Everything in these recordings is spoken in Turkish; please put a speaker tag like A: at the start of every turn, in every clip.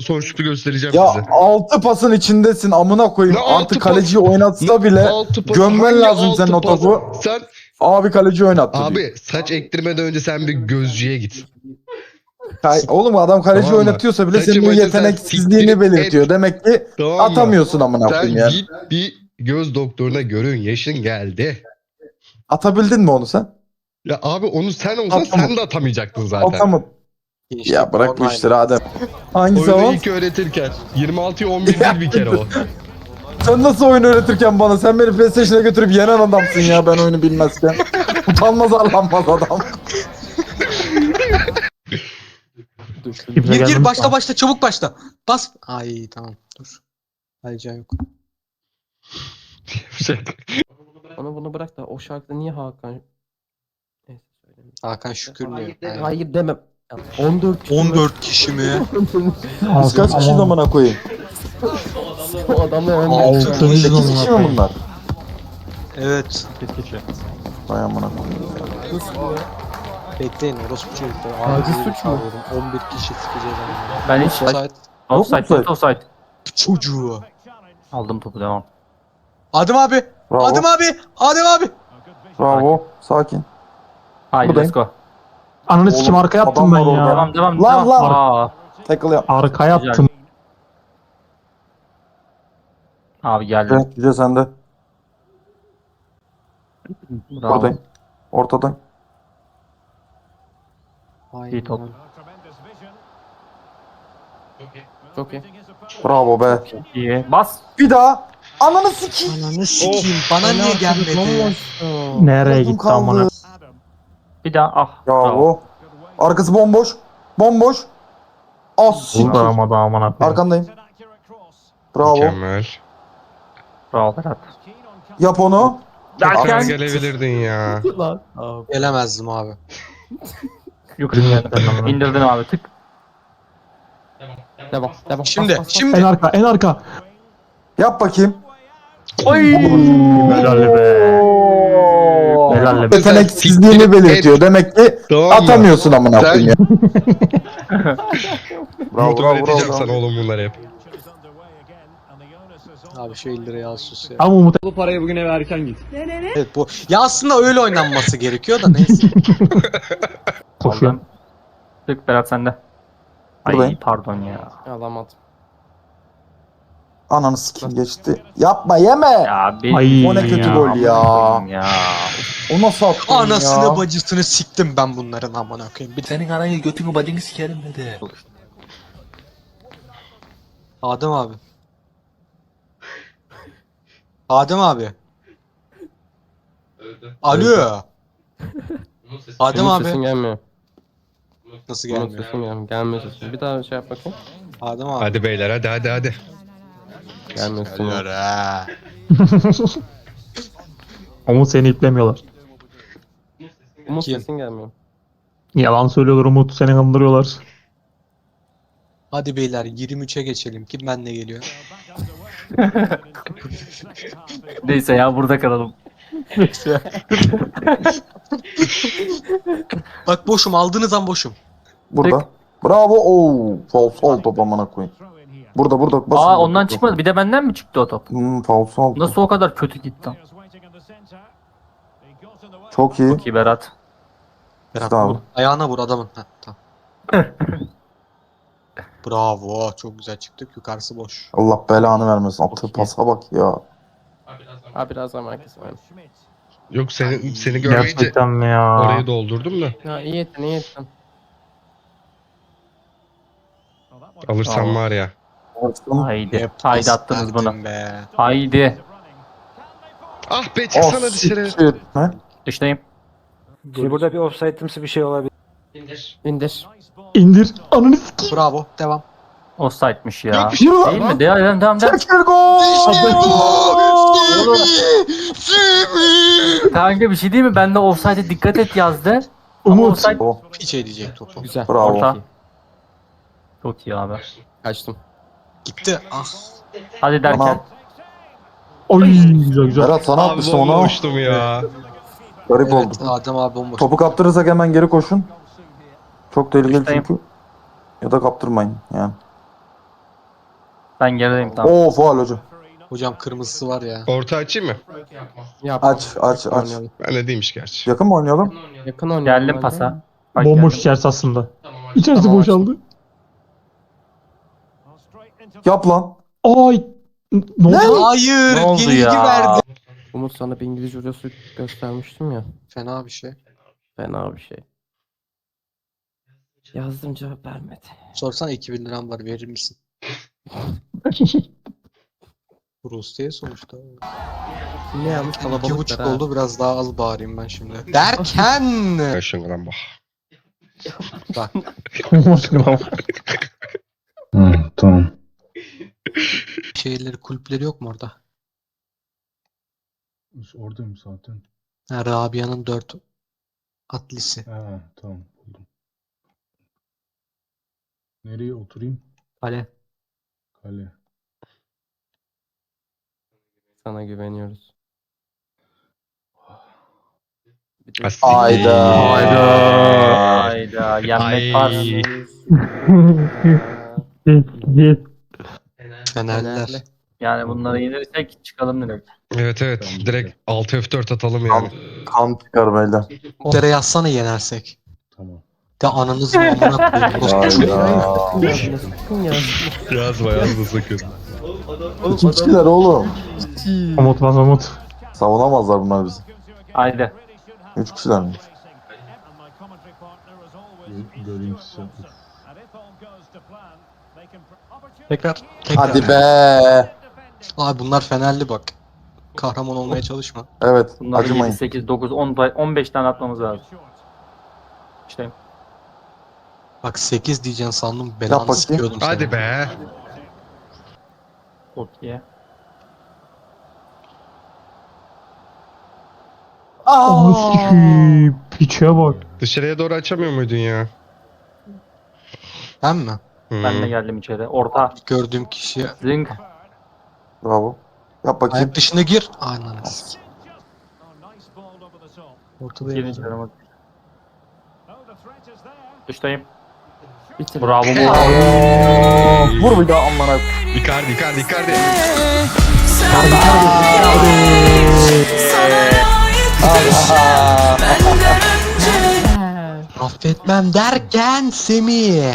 A: son şutu göstereceğim
B: Ya
A: size.
B: 6 pasın içindesin amına koyayım.
A: Ne altı
B: Artık
A: pas?
B: kaleciyi oynatsa bile
A: Altı pas.
B: gömmen
A: Hangi
B: lazım senin o
A: altı pas?
B: topu.
A: Sen
B: Abi kaleci oynattı diyor.
A: abi saç ektirmeden önce sen bir gözcüye git.
B: Oğlum adam kaleci
A: Tamam mı?
B: oynatıyorsa bile
A: Saçı
B: senin o
A: maçı sen
B: yeteneksizliğini
A: siktirip
B: belirtiyor.
A: et.
B: Demek ki
A: Tamam mı?
B: atamıyorsun amına
A: Sen
B: koyayım yani.
A: git bir göz doktoruna görün. Yaşın geldi.
B: Atabildin mi onu sen?
A: Ya abi onu sen olsan
B: Atamadım.
A: sen de atamayacaktın zaten.
B: Atamadın. Ya bırak bu işleri Adem. Hangisi
A: Oyunu
B: o?
A: ilk öğretirken. 26'ya 11 değil bir kere o.
B: Sen nasıl oyun öğretirken bana? Sen beni PlayStation'a götürüp yenen adamsın ya ben oyunu bilmezken. Utanmaz arlanmaz adam.
C: Gir başla çabuk başla. Bas. Ay tamam dur. Heyecan yok.
D: Bunu bırak da o şarkıda niye Hakan? Neyse söyleyeyim.
C: Hakan Şükür diyor. Aynen.
D: Hayır demem. 14 kişi
C: 14 kişi mi?
B: Biz kaç kişi amına koyayım?
D: o adamı
B: 8 kişi mi bunlar?
C: Evet.
B: Vay amına koyayım.
C: Bekleyin orospu çocukları.
D: Taciz
C: Abi,
D: suç mu?
C: 11 kişi sikeceğiz ama.
E: Ben hiç
C: Offside.
E: offside.
C: Çocuğu.
E: Aldım topu, devam.
C: Adem abi.
B: Bravo.
C: Adem abi. Adem abi.
B: Bravo. Sakin.
E: Haydi
B: Buradayım.
E: let's go.
F: Ananı sikim arkaya
B: Adam
F: attım ben
B: var orada.
F: ya.
E: Devam.
B: Lan, lan.
E: Aa,
B: Tackle yap.
F: Arkaya
E: Güzel.
F: attım.
E: abi geldi.
B: Evet, Yüce sende.
E: Bravo.
B: Buradayım. Ortadayım.
E: İyi top.
D: Çok iyi.
B: Bravo be.
E: İyi. Bas.
B: Bir daha. Ananı sikeyim.
C: Ananı sikeyim. Bana niye gelmedi?
F: Nereye
B: Yardım
F: gitti amına?
B: kaldı.
E: Bir daha. Ah.
B: Bravo. Arkası bomboş. Bomboş. Az siktir.
F: Burada ama da amına koyayım.
B: Arkandayım. Bravo.
A: Mükemmel.
E: Bravo Berat.
B: Yap onu.
A: Tekrar
E: Derken
A: gelebilirdin ya.
C: Gelemezdim abi.
E: yukarı indirdin abi, tık.
D: Devam.
C: Şimdi.
D: Bas.
C: Şimdi.
F: En arka.
B: Yap bakayım.
E: Oy.
F: Helal be. Helal be.
B: Yeteneksizliğini belirtiyor. Demek ki
A: Tamam mı?
B: atamıyorsun amına
A: Sen-
B: koyayım ya. Bravo
A: Umut
B: bravo
A: öğreteceğim
B: bravo.
A: sana oğlum bunları hep.
C: Abi şu 50 liraya al sus ya.
F: Ama Umut
C: Evet bu. Ya aslında öyle oynanması gerekiyor da neyse.
F: koşuyor.
E: Aldım. Tık Berat sende. Ay
B: Buradayım.
E: pardon ya.
D: Alamadım.
B: Ananı sikeyim geçti. Yapma yeme.
E: Ya bir
F: Ay,
B: O ne kötü
F: ya.
B: gol ya.
E: ya.
B: O nasıl attın ya?
C: Anasını bacısını siktim ben bunların amına koyayım. Bir de
G: Senin anayı götünü bacını sikerim dedi.
C: Adem abi. Adem abi. Alo. Adem
D: Umut
C: abi.
D: sesin gelmiyor.
C: Nasıl
D: Umut
C: gelmiyor?
D: sesin gelmiyor. Gelmiyor sesin. Bir daha şey yap bakayım.
C: Adem abi.
A: Hadi beyler hadi.
D: Gelmiyor sesin.
C: Geliyor ha.
F: Umut seni iplemiyorlar.
D: Umut
C: Kim?
D: sesin gelmiyor.
F: Yalan söylüyorlar Umut, seni kandırıyorlar.
C: Hadi beyler 23'e geçelim. Kim benle geliyor?
E: Neyse ya, burada kalalım.
C: Bak boşum, aldığınız an boşum.
B: Burada. Bravo. Oo, falso top amına koyayım. Burada. Basın.
E: Aa, ondan çıkmadı. Bir de benden mi çıktı o top?
B: Falso.
E: Nasıl o kadar kötü gitti?
B: Çok iyi.
E: Çok iyi Berat.
C: Berat,
B: Bravo.
C: vur. Ayağına vur adamın. Heh, tamam. Bravo. Çok güzel çıktık. Yukarısı boş.
B: Allah belanı vermesin. Attığı
D: Çok iyi.
B: pasa bak ya.
D: Abi biraz daha merkez var.
A: Yok seni görmeyince
F: Gerçekten mi ya?
A: orayı doldurdum da.
D: Ya iyi ettin.
A: Alırsam
E: Tamam.
A: var ya.
E: Haydi. Haydi attınız bunu.
C: Verdin be.
E: Haydi.
A: Ah be
B: Oh,
A: çıksana dışarı.
B: siktir. Ne?
E: Dıştayım.
H: Şimdi burada bir offside'ımsı bir şey olabilir.
D: İndir.
F: İndir. Ananı sikeyim.
C: Bravo. Devam.
E: Offside'miş ya.
A: Yok,
B: Yürü lan.
E: Değil mi? Devam.
B: Çekil gol.
E: Kanka bir şey değil mi? Ben de offside'e dikkat et yazdı. Ama
F: Umut.
E: offside...
B: Oh,
C: Hiç edecek topu.
D: Güzel.
B: bravo.
E: Orta. Çok iyi abi.
D: Kaçtım.
C: Gitti. Ah.
E: Hadi derken.
B: Tamam.
F: Oy güzel.
B: Berat sana
A: Abi
B: atmıştım onu.
A: bomboştum ya.
B: Garip oldu.
C: Evet, Adem abi bomboş.
B: Topu kaptırırsak hemen geri koşun. Çok tehlikeli
E: Dıştayım.
B: çünkü. Ya da kaptırmayın yani.
E: Ben gerideyim tamam.
B: Oo faul hocam.
C: Hocam kırmızısı var ya.
A: Orta açayım mı?
D: Yap.
B: Aç.
D: Oynayalım.
A: Ben de değilmiş gerçi.
B: Yakın mı oynayalım?
D: Yakın oynayalım.
E: Geldim
D: ben de.
E: pasa. Bak
F: Bomboş
E: geldim.
F: içerisi aslında. İçerisi
D: Tamam,
F: boşaldı.
B: Yap lan.
F: Ay. Ne oldu?
C: Hayır.
E: Ne oldu
C: yenilgi
E: ya?
C: verdi.
D: Umut sana bir İngilizce hocası göstermiştim ya.
C: Fena bir şey.
D: Fena bir şey. Yazdım cevap vermedi.
C: Sorsan 2000 liram var verir misin? Bu Rusya sonuçta.
D: Ne yanlış
C: 2,5 oldu biraz daha az bağırayım ben şimdi. Derken.
A: Yaşın bak.
C: Bak.
B: Tamam.
C: Şeyleri kulüpleri yok mu orada?
F: Oradayım zaten.
C: Ha, Rabia'nın 4 atlisi.
F: Ha, tamam buldum. Nereye oturayım?
C: Kale.
F: Kale.
D: Sana güveniyoruz. Bir de-
A: Hayda.
E: Hayda. Yenmek var.
C: Fenerler.
D: Fenerli.
E: Yani bunları yenirsek çıkalım direkt.
A: Evet evet. Direkt 6 F4 atalım yani.
B: Kan çıkar beyler.
C: Dere yazsana yenersek.
F: Tamam.
C: De ananızı amına koyayım.
B: Hayda.
D: Sakın ya.
A: Yazma yazma sakın.
B: İki kişiler oğlum.
F: Umut bas Umut.
B: Savunamazlar bunlar bizi.
E: Haydi.
B: 3 kişiler mi?
F: Göreyim size.
C: Tekrar.
B: Hadi be.
C: Abi bunlar Fenerli bak. Kahraman olmaya çalışma.
B: Evet.
E: Bunları 7,
B: Acımayın.
E: 8, 9, 10, 15 tane atmamız lazım. İşte
C: Bak 8 diyeceksin sandım.
B: Yap
C: Belanı
B: bakayım.
C: sikiyordum seni.
A: Hadi be.
E: okey.
F: Onu sikiyim. Piçe bak.
A: Dışarıya doğru açamıyor muydun ya?
C: Ben mi?
E: Ben de geldim içeri. Orta.
C: Gördüğüm kişi
E: Zing.
B: Bravo. Yap bakayım.
C: ayak dışına gir. Aynen. Ortada
E: Girin
C: yapacağım.
E: içeri bak. Dıştayım.
D: Bitir.
E: Bravo mu?
B: Vur bir daha amına.
A: Icardi Icardi Icardi.
C: Affetmem derken Semih.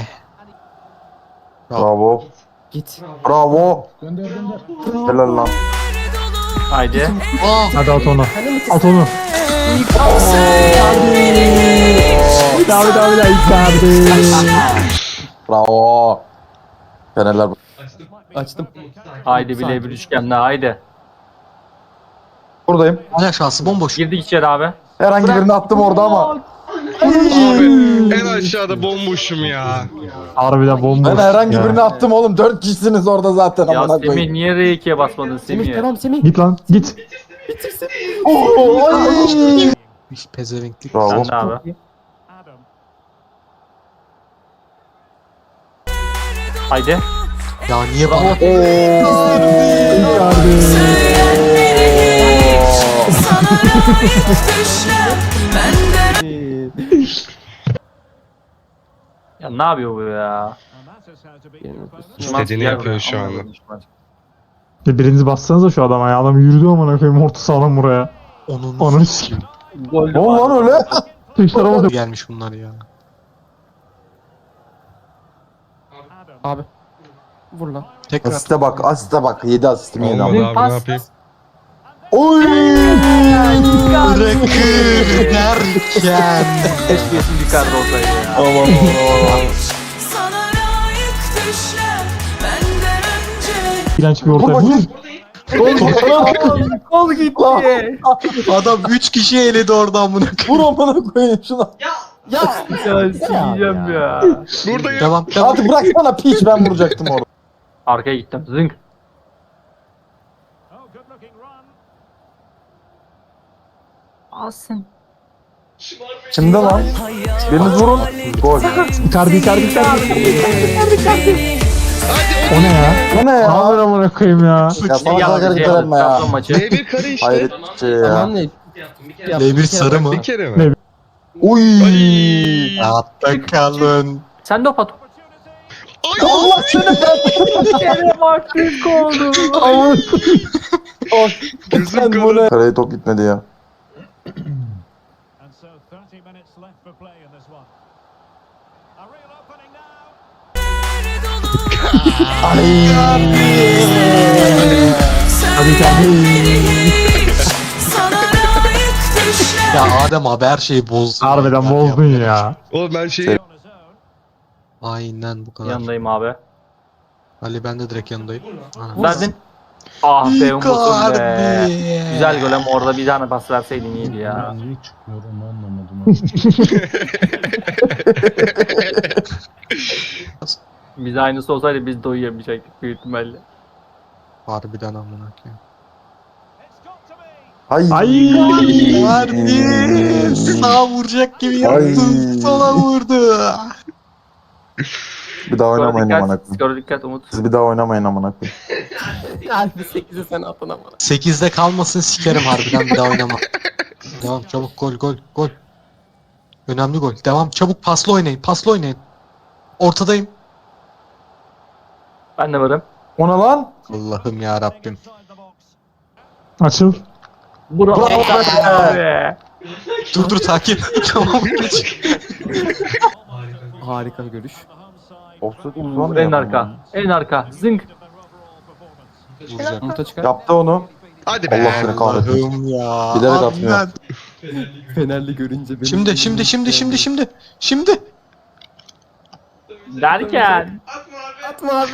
B: Bravo.
D: Git.
B: Bravo. Helal lan.
E: Haydi.
C: Aa,
F: Hadi at onu. At onu. Bir daha Icardi.
B: Bravo. Fenerler.
D: Açtım.
E: Haydi bile bir üçgenle haydi.
B: Buradayım.
C: ayak şansı bomboş.
E: Girdik içeri abi.
B: Herhangi birini attım orada ama.
A: Abi en aşağıda bomboşum ya.
F: Harbiden bomboş.
B: Ben herhangi
F: ya.
B: birini attım oğlum. 4 kişisiniz orada zaten
E: Ya
B: amına
E: Semih
B: koyayım.
E: niye R2'ye basmadın
D: Semih
E: Semih?
D: devam Semih.
F: Git lan git.
C: Hiç pezevenklik.
B: Bravo.
E: Sen de abi. Haydi.
C: Ya niye bana?
E: Ya ne yapıyor bu ya?
A: İstediğini yapıyor şu anda.
F: Birinizi bassanıza şu adama ya. Adam yürüdü amına koyayım orta sahadan buraya.
C: Onun
F: Ananı sikeyim.
E: Gol
B: Ne oldu lan öyle?
F: Tekrar ama
C: gelmiş bunlar ya.
D: Abi. Vur lan.
C: Tekrar.
B: Asiste bak. Asiste bak. 7 asistim yedi
A: Olmadı
B: ama.
A: abi ne yapayım?
B: Oy.
C: Bırakır derken.
E: Keşke isim Icardi olsaydı ya.
B: Aman aman.
F: iğrenç bir orta.
B: Vur bakayım.
E: Kol gitti.
C: Adam 3 kişi eledi oradan bunu.
B: Vur amına koyayım şuna.
E: Ya sikeceğim ya.
A: Buradayım.
C: Devam devam.
B: Artık bıraksana piç ben vuracaktım orada.
E: Arkaya gittim. Zing. Alsın.
B: Kimde lan? Biriniz vurun. Gol.
F: Icardi. O ne ya?
B: Bu ne
F: Ne
B: ya?
F: haber amına koyayım ya?
B: Ya sana kalk hareket etme ya.
E: Şampiyon maçı.
A: B1 kare işte.
B: Hayret bir şey ya.
D: Tamam ne?
C: L1 sarı mı?
A: Bir kere mi?
B: Uy.
C: Hatta kalın.
E: Sen de o pat.
B: Allah seni
E: Yere bak büyük oldu.
A: Gözüm
B: ben bu ne? Kaleye top gitmedi ya.
C: Ya Adem abi her şeyi bozdun.
F: Harbiden bozdun ya.
A: Oğlum ben şeyi...
C: Aynen bu kadar.
E: Yanındayım abi.
C: Ali ben de direkt yanındayım. Ha.
E: Verdin. Ah be Umut'um be.
C: Icardi.
E: Güzel gol ama orada bir tane pas verseydin iyiydi ya.
G: Niye çıkmıyor onu anlamadım.
E: Biz aynısı olsaydı biz de uyuyamayacaktık büyük ihtimalle.
C: Harbiden amına koyayım.
B: Ay.
C: Icardi sağ vuracak gibi yaptı.
B: Ay.
C: Sola vurdu.
B: Bir daha oynamayın amına koyayım.
E: Skora dikkat Umut.
B: Siz bir daha oynamayın amına koyayım.
D: Harbi 8'i sen atın ama.
C: 8'de kalmasın sikerim harbiden bir daha oynama. Devam çabuk gol. Önemli gol. Devam çabuk paslı oynayın. Ortadayım.
E: Ben de varım.
B: Ona lan.
C: Allah'ım ya Rabbim.
F: Açıl.
E: Bravo
B: Bravo
E: be.
C: Dur sakin. Tamam geç.
D: Harika bir görüş.
B: Offside
E: En arka. En arka. Zınk.
C: Vuracak.
D: Umut'a çıkar.
B: Yaptı onu.
A: Hadi be.
B: Allah seni kahretsin.
C: Allah'ım ya.
B: Bilerek
C: Abi
B: atmıyor.
C: ben-
D: Fenerli görünce benim...
C: Şimdi.
E: Derken.
D: Atma abi.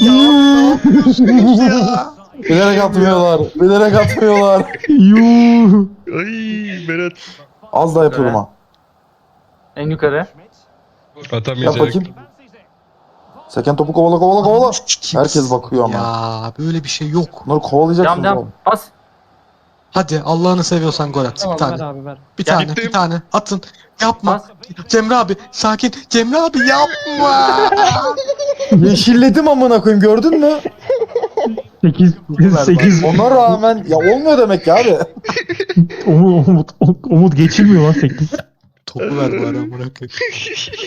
B: Bilerek atmıyorlar.
F: Yuh.
A: Ay Berat.
B: Az daha yapıyordum ha.
E: En yukarı.
B: Yap
A: Atamayacak.
B: bakayım. Seken topu kovala. Herkes bakıyor ama.
C: Ya böyle bir şey yok.
B: Bunları kovalayacaksınız
E: Devam.
B: oğlum.
E: Pas.
C: Hadi Allah'ını seviyorsan gol at.
D: Tamam
C: bir tane.
D: ver abi ver.
C: Bir
A: Ya
C: tane.
A: gittim.
C: Bir tane. Atın. Yapma.
E: Pas.
C: Cemre abi sakin. Cemre abi yapma.
B: Yeşilledim amına koyayım gördün mü?
F: 8.
B: Ona rağmen ya olmuyor demek ya abi.
F: Umut geçilmiyor lan 8.
C: Topu ver bari amına koyayım.